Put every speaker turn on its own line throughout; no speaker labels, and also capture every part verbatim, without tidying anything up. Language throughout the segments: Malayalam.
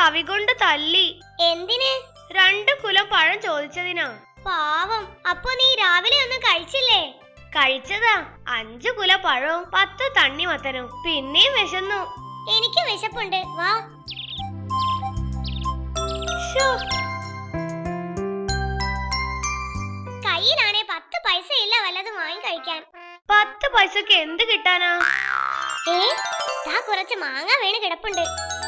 കവി കൊണ്ട് തല്ലി.
എന്തിന്?
രണ്ടു കുലം പഴം ചോദിച്ചതിനാ.
പാവം. അപ്പൊ നീ രാവിലെ ഒന്നും കഴിച്ചില്ലേ?
കഴിച്ചതാ. അഞ്ചു കുല പഴവും പത്ത് തണ്ണിമത്തനും. പിന്നെയും വിശന്നു.
എനിക്ക് വിശപ്പുണ്ട്, വാ. കയ്യിലാണേ പത്ത് പൈസ ഇല്ല വല്ലതും വാങ്ങി കഴിക്കാൻ.
പത്ത് പൈസക്ക് എന്ത് കിട്ടാനാ?
ഏ ദാ കുറച്ച് മാങ്ങ വീണ് കിടപ്പുണ്ട്.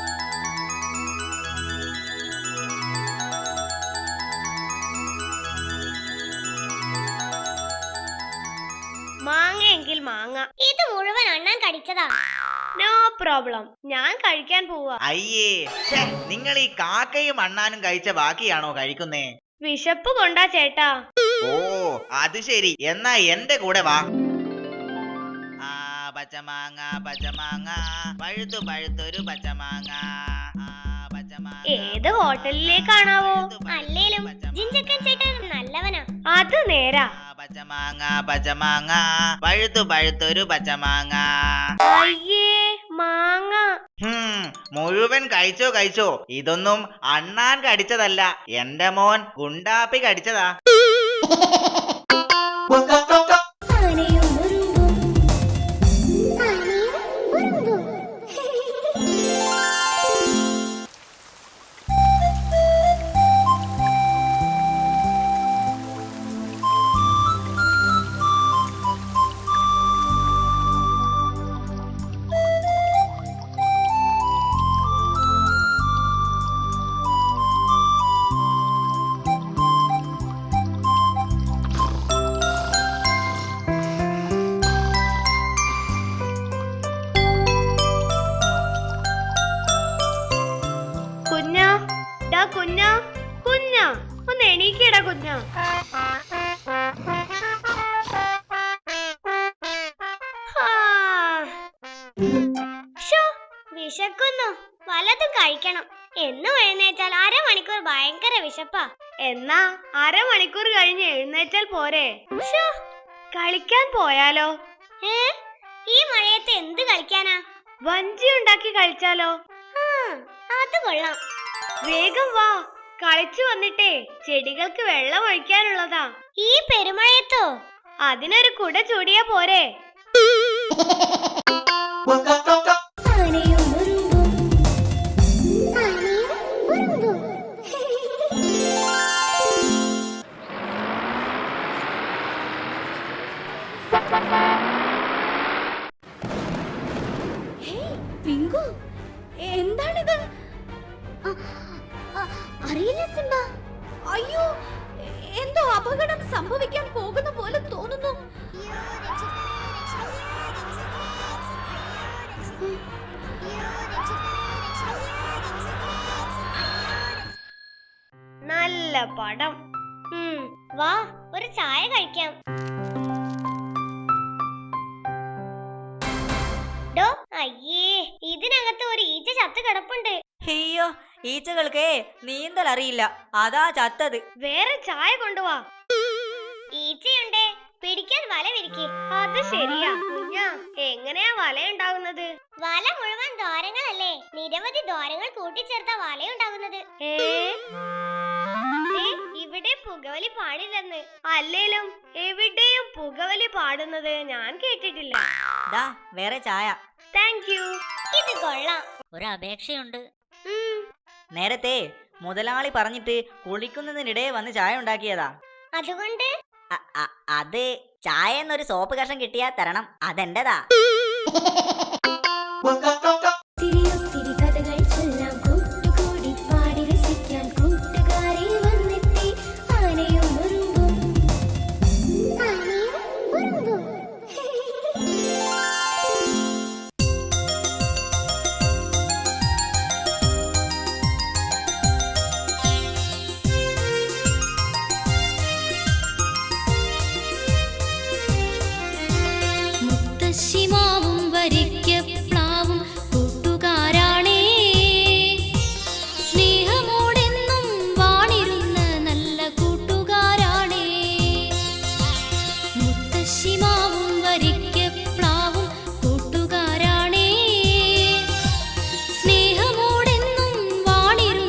മാങ്ങയെങ്കിൽ മാങ്ങ.
ഇത് മുഴുവൻ അണ്ണാൻ കടിച്ചതാ.
നോ പ്രോബ്ലം, ഞാൻ കഴിക്കാൻ പോവാ.
അയ്യേ, നിങ്ങൾ ഈ കാക്കയും അണ്ണാനും കഴിച്ച ബാക്കിയാണോ കഴിക്കുന്നേ?
വിശപ്പ് കൊണ്ടാ ചേട്ടാ.
ഓ അത് ശരി, എന്നാ എന്റെ കൂടെ വാ. ആ പച്ചമാങ്ങ പച്ചമാങ്ങ പഴുത്തു പഴുത്തൊരു പച്ചമാങ്ങ.
ഏത് ഹോട്ടലിലേക്കാണാവോ?
അല്ലേലും ജിഞ്ചക്കൻ ചേട്ടൻ നല്ലവനാ.
അത് നേരാ.
പച്ചമാങ്ങ പച്ചമാങ്ങ പഴുത്തു പഴുത്തൊരു പച്ചമാങ്ങ.
അയ്യേ മാങ്ങ.
മുഴുവൻ കഴിച്ചോ കഴിച്ചോ. ഇതൊന്നും അണ്ണാൻ കടിച്ചതല്ല, എന്റെ മോൻ ഗുണ്ടാപ്പി കടിച്ചതാ.
കുഞ്ഞ കുഞ്ഞ ഒന്ന് എണീക്കടാ കുഞ്ഞ.
വിശക്കുന്നു, വല്ലതും കഴിക്കണം. എന്നും എഴുന്നേറ്റാൽ അരമണിക്കൂർ ഭയങ്കര വിശപ്പാ.
എന്നാ അരമണിക്കൂർ കഴിഞ്ഞ് എഴുന്നേറ്റാൽ പോരെ? കളിക്കാൻ പോയാലോ?
ഏ ഈ മഴയത്ത് എന്ത് കളിക്കാനാ?
വഞ്ചി ഉണ്ടാക്കി കളിച്ചാലോ?
അത് കൊള്ളാം.
വേഗം വാ, കളിച്ചു വന്നിട്ടേ ചെടികൾക്ക് വെള്ളം ഒഴിക്കാനുള്ളതാ.
ഈ പെരുമഴയത്തോ?
അതിനൊരു കുട ചൂടിയാ പോരെ?
എന്താണിത്? അറിയില്ല സിംബ.
അയ്യോ, എന്തോ അപകടം സംഭവിക്കാൻ പോകുന്ന പോലെ തോന്നുന്നു.
നല്ല പടം.
വാ ഒരു ചായ കഴിക്കാം. ഡോ അയ്യേ, ഇതിനകത്ത് ഒരു ഈച്ച ചത്ത് കിടപ്പുണ്ട്.
അയ്യോ, ഈച്ചകൾക്ക് നീന്തൽ അറിയില്ല, അതാ ചത്തത്.
വേറെ ചായ കൊണ്ടുവാ.
ഈച്ചയുണ്ടേ, പിടിക്കാൻ വല വിരിക്ക്.
അത് ശരിയാ കുഞ്ഞാ. എങ്ങനെയാ വല ഉണ്ടാകുന്നത്?
വല മുഴുവൻ ദ്വാരങ്ങളല്ലേ, നിരവധി ദ്വാരങ്ങൾ കൂട്ടിച്ചേർത്ത വലയുണ്ടാകുന്നത്.
ഇവിടെ പുകവലി പാടില്ലെന്ന്. അല്ലേലും എവിടെയും പുകവലി പാടുന്നത് ഞാൻ കേട്ടിട്ടില്ല.
ദാ വേറെ ചായ.
Thank you.
ഇത് കൊള്ളാം.
ഒരു അപേക്ഷയുണ്ട്. നേരത്തെ മുതലാളി പറഞ്ഞിട്ട് കുളിക്കുന്നതിനിടെ വന്ന് ചായ ഉണ്ടാക്കിയതാ.
അതുകൊണ്ട്
അത് ചായ എന്നൊരു സോപ്പ് കഷം കിട്ടിയാ തരണം, അതെന്റെതാ.
ശിമാവും വരിക്കപ്ലാവും കൂട്ടുകാരാണേ, സ്നേഹമോടെന്നും വാണിരുന്ന നല്ല കൂട്ടുകാരാണേ. മുത്തശ്ശിമാവും വരിക്കപ്ലാവും കൂട്ടുകാരാണേ, സ്നേഹമോടെന്നും വാണിരുന്ന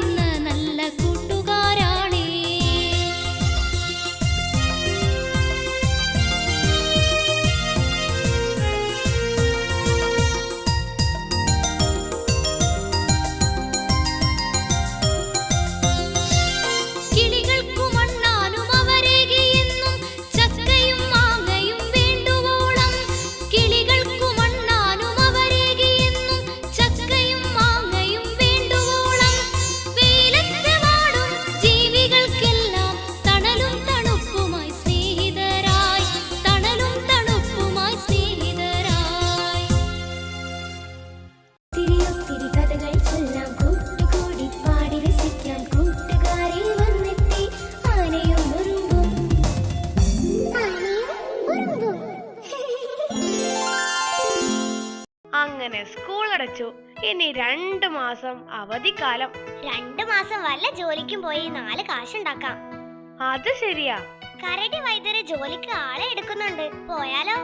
അങ്ങനെ സ്കൂൾ അടച്ചു. ഇനി രണ്ടു മാസം അവധിക്കാലം.
രണ്ടു മാസം വല്ല ജോലിക്കും പോയി നാല് കാശുണ്ടാക്കാം.
അത് ശരിയാ.
കരടി വൈദ്യര് ജോലിക്ക് ആളെ എടുക്കുന്നുണ്ട്, പോയാലോ?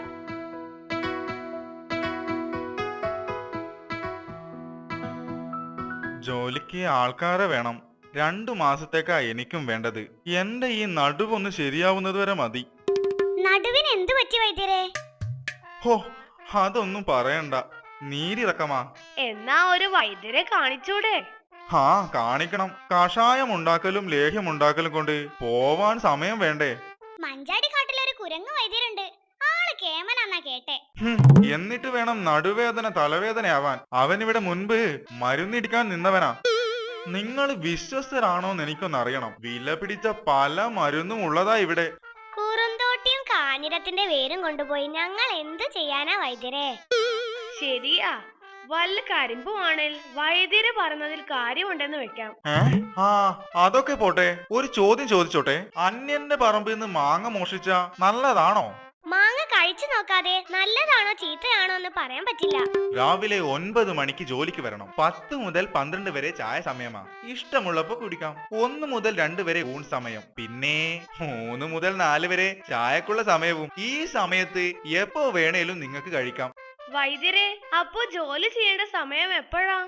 ജോലിക്ക് ആൾക്കാരെ വേണം. രണ്ടു മാസത്തേക്കാ എനിക്കും വേണ്ടത്. എന്റെ ഈ നടുവൊന്ന് ശരിയാവുന്നത് വരെ മതി.
നടുവിന് എന്തു പറ്റി വൈദ്യരെ?
ഹോ, അതൊന്നും പറയണ്ട, നീരിറക്കമാ.
എന്നാ ഒരു വൈദ്യരെ കാണിച്ചൂടെ?
ഹാ, കാണിക്കണം. കഷായം ഉണ്ടാക്കലും ലേഹ്യം ഉണ്ടാക്കലും കൊണ്ട് പോവാൻ സമയം വേണ്ടേ?
മഞ്ചാടി കാട്ടിലൊരു കുരങ്ങ് വൈദ്യരുണ്ട്, ആള് കേമനാന്നാ കേട്ടെ.
ഹും, എന്നിട്ട് വേണം നടുവേദന തലവേദനയാവാൻ. അവനിവിടെ മുൻപ് മരുന്നിടിക്കാൻ നിന്നവനാ. നിങ്ങൾ വിശ്വസ്തരാണോന്ന് എനിക്കൊന്നറിയണം. വില പിടിച്ച പല മരുന്നും ഉള്ളതാ ഇവിടെ.
കുറുന്തോട്ടിയും കാഞ്ഞിരത്തിന്റെ വേരും കൊണ്ടുപോയി ഞങ്ങൾ എന്തു ചെയ്യാനാ വൈദ്യരെ?
ശരിയാ, വല്ല കരിമ്പുവാണേൽ വൈദ്യര് പറഞ്ഞതിൽ കാര്യമുണ്ടെന്ന് വെക്കാം.
ഏ ആ അതൊക്കെ പോട്ടെ, ഒരു ചോദ്യം ചോദിച്ചോട്ടെ. അന്യന്റെ പറമ്പിൽ നിന്ന് മാങ്ങ മോഷിച്ച നല്ലതാണോ?
മാങ്ങ കഴിച്ചു നോക്കാതെ നല്ലതാണോ ചീത്തയാണോ എന്ന് പറയാൻ പറ്റില്ല.
രാവിലെ ഒൻപത് മണിക്ക് ജോലിക്ക് വരണം. പത്ത് മുതൽ പന്ത്രണ്ട് വരെ ചായ സമയമാ. ഇഷ്ടമുള്ളപ്പോ കുടിക്കാം. ഒന്ന് മുതൽ രണ്ട് വരെ ഊൺ സമയം. പിന്നെ മൂന്ന് മുതൽ നാല് വരെ ചായക്കുള്ള സമയവും. ഈ സമയത്ത് എപ്പോ വേണേലും നിങ്ങൾക്ക് കഴിക്കാം.
വൈദ്യരെ, അപ്പോ ജോലി ചെയ്യേണ്ട സമയം എപ്പോഴാ?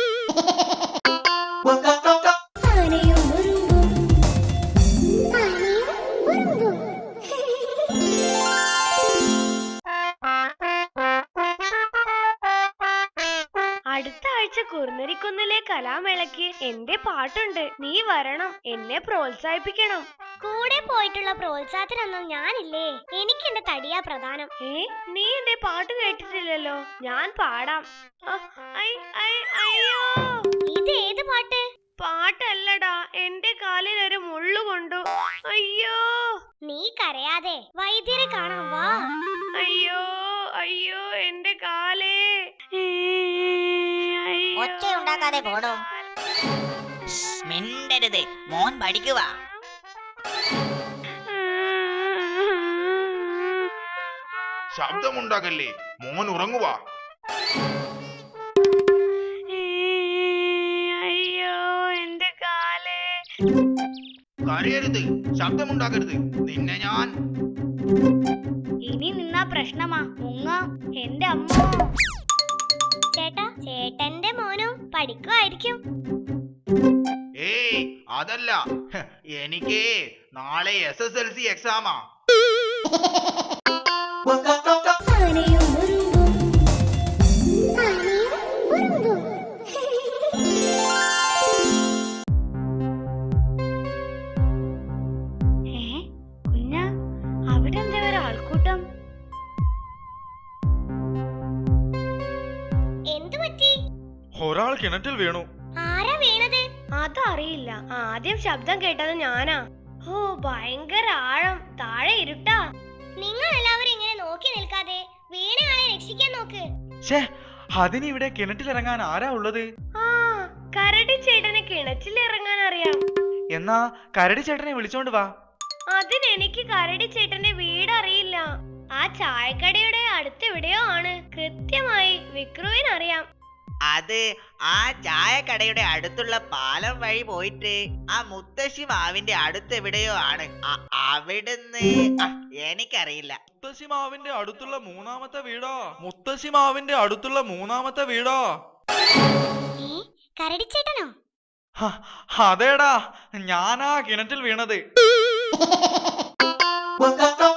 ആനയും ഉറുമ്പും
അടുത്ത ആഴ്ച കുറുനരിക്കുന്നിലെ കലാമേളയ്ക്ക് എന്റെ പാട്ടുണ്ട്. നീ വരണം, എന്നെ പ്രോത്സാഹിപ്പിക്കണം.
കൂടെ പോയിട്ടുള്ള പ്രോത്സാഹത്തിനൊന്നും ഞാനില്ലേ, എനിക്ക് എന്റെ തടിയാ പ്രധാനം.
ഏ, നീ എന്റെ പാട്ട് കേട്ടിട്ടില്ലല്ലോ. ഞാൻ പാടാം. ആ, ഐ, ഐ, അയ്യോ.
ഇത് ഏത് പാട്ട്?
പാട്ടല്ലടാ, എന്റെ കാലിൽ ഒരു മുള്ളു കൊണ്ടു. അയ്യോ.
നീ കരയാതെ, വൈദ്യരെ കാണാൻ വാ.
അയ്യോ അയ്യോ, എന്റെ കാലേ.
ഒച്ച ഉണ്ടാക്കാതെ പോടോ.
മിണ്ടരുത്, മോൻ പഠിക്കുക.
ശബ്ദമുണ്ടാക്കല്ലേ, മോൻ ഉറങ്ങുവാ.
അയ്യോ, എന്റെ കാലേ.
കരയരുത്, ശബ്ദമുണ്ടാക്കരുത്, നിന്നെ ഞാൻ.
ഇനി നിന്നാ പ്രശ്നമാ, മുങ്ങ. എന്റെ അമ്മ. ചേട്ടാ, ചേട്ടന്റെ മോനും പഠിക്കുമായിരിക്കും.
ഏയ് അതല്ല, ഹ്, എനിക്ക് നാളെ എസ് എസ് എൽ സി എക്സാമാ.
ആനയും ഉറുമ്പും
ഏ, കുഞ്ഞ, അവിടെ എന്താ ഒരു ആൾക്കൂട്ടം?
എന്തു പറ്റി?
ഒരാൾ കിണറ്റിൽ വീണു.
ആരാ വീണത്?
അതറിയില്ല, ആദ്യം ശബ്ദം കേട്ടത് ഞാനാ. ഓ, ഭയങ്കര ആഴം, താഴെ ഇരുട്ടാ.
നിങ്ങൾ എല്ലാവരും ഇങ്ങനെ നോക്കി നിൽക്കാതെ വീണയാളെ രക്ഷിക്കാൻ നോക്ക്.
ഛേ, അതിനിവിടെ കിണറ്റിലിറങ്ങാൻ ആരാ ഉള്ളത്?
ആ, കരടി ചേട്ടന് കിണറ്റിൽ ഇറങ്ങാൻ അറിയാം.
എന്നാ കരടി ചേട്ടനെ വിളിച്ചോണ്ട് വാ.
അതിനെനിക്ക് കരടി ചേട്ടന്റെ വീട് അറിയില്ല. ആ ചായക്കടയുടെ അടുത്തെവിടെയോ ആണ്. കൃത്യമായി വിക്രുവിനറിയാം.
അത് ആ ചായക്കടയുടെ അടുത്തുള്ള പാലം വഴി പോയിട്ട് ആ മുത്തശ്ശി മാവിന്റെ അടുത്തെവിടെയോ ആണ്. അ- അവിടുന്ന് ആ, എനിക്കറിയില്ല.
മുത്തശ്ശി മാവിന്റെ അടുത്തുള്ള മൂന്നാമത്തെ വീടാ. മുത്തശ്ശി മാവിന്റെ അടുത്തുള്ള മൂന്നാമത്തെ വീടാ.
ഏ, കരടിച്ചേട്ടനോ?
ഹ, അതേടാ, ഞാനാ കിണറ്റിൽ വീണത്.